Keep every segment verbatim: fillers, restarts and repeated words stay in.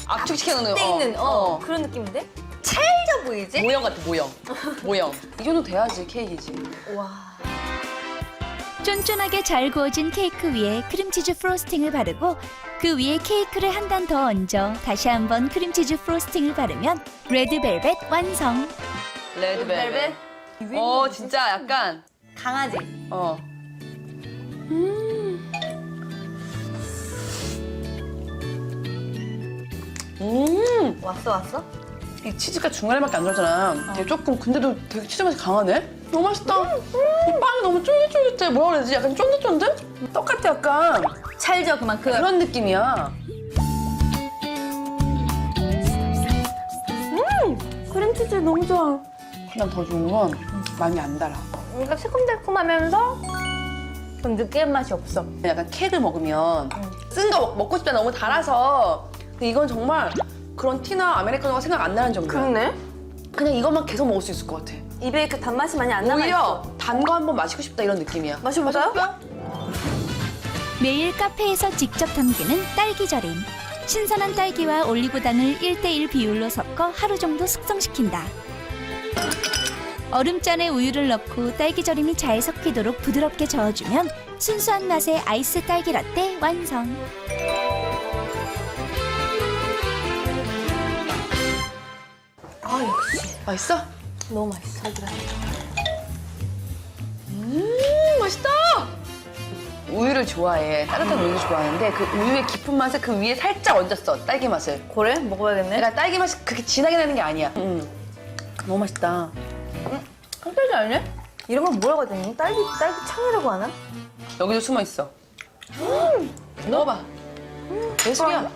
압축시켜놓는 돼 있는 어, 그런 느낌인데? 찰져 보이지? 모형 같아, 모형. 모형. 이 정도 돼야지 케이크지. 와. 쫀쫀하게 잘 구워진 케이크 위에 크림치즈 프로스팅을 바르고 그 위에 케이크를 한 단 더 얹어 다시 한번 크림치즈 프로스팅을 바르면 레드벨벳 완성. 레드벨벳. 어, 진짜 약간. 강아지. 어. 음. 음. 왔어 왔어? 이 치즈가 중간에밖에 안 들었잖아. 되게 조금, 근데도 되게 치즈 맛이 강하네? 너무 맛있다. 이 빵이 너무 쫄깃쫄깃해. 뭐라 그래야 되지? 약간 쫀득쫀득? 똑같아, 약간. 찰져 그만큼. 그런 느낌이야. 크림치즈 너무 좋아. 난 더 좋은 건 많이 안 달아. 뭔가 새콤달콤하면서 좀 느끼한 맛이 없어. 약간 케이크를 먹으면 쓴 거 먹고 싶다 너무 달아서 근데 이건 정말 그런 티나 아메리카노가 생각 안 나는 정도야. 그렇네. 그냥 이것만 계속 먹을 수 있을 것 같아. 입에 그 단맛이 많이 안 남아있어. 오히려 단 거 한번 마시고 싶다 이런 느낌이야. 마셔볼까요? 매일 카페에서 직접 담그는 딸기절임. 신선한 딸기와 올리고당을 일 대 일 비율로 섞어 하루 정도 숙성시킨다. 얼음잔에 우유를 넣고 딸기절임이 잘 섞이도록 부드럽게 저어주면 순수한 맛의 아이스 딸기 라떼 완성. 아 역시 맛있어? 너무 맛있어. 딸기라. 음 맛있다. 우유를 좋아해. 따뜻한 우유를 좋아하는데 그 우유의 깊은 맛을 그 위에 살짝 얹었어. 딸기 맛을. 그래? 먹어야겠네. 그러니까 딸기 맛이 그렇게 진하게 나는 게 아니야. 음. 너무 맛있다. 깜짝이 아니네? 이런 건 뭐라고 해야 되니? 딸기, 딸기 창이라고 하나? 여기도 숨어 있어. 음. 먹어봐. 예술이야.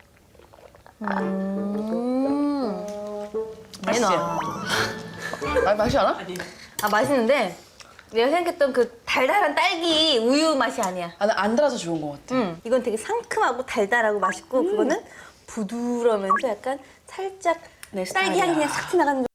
음. 맛있지? 내놔. 아, 맛이 않아? 아, 맛있는데 내가 생각했던 그 달달한 딸기 우유 맛이 아니야. 아, 나 안 달아서 좋은 것 같아. 음. 이건 되게 상큼하고 달달하고 맛있고 그거는 부드러우면서 약간 살짝 내 딸기 향이 스타일이야. 그냥 싹 나가는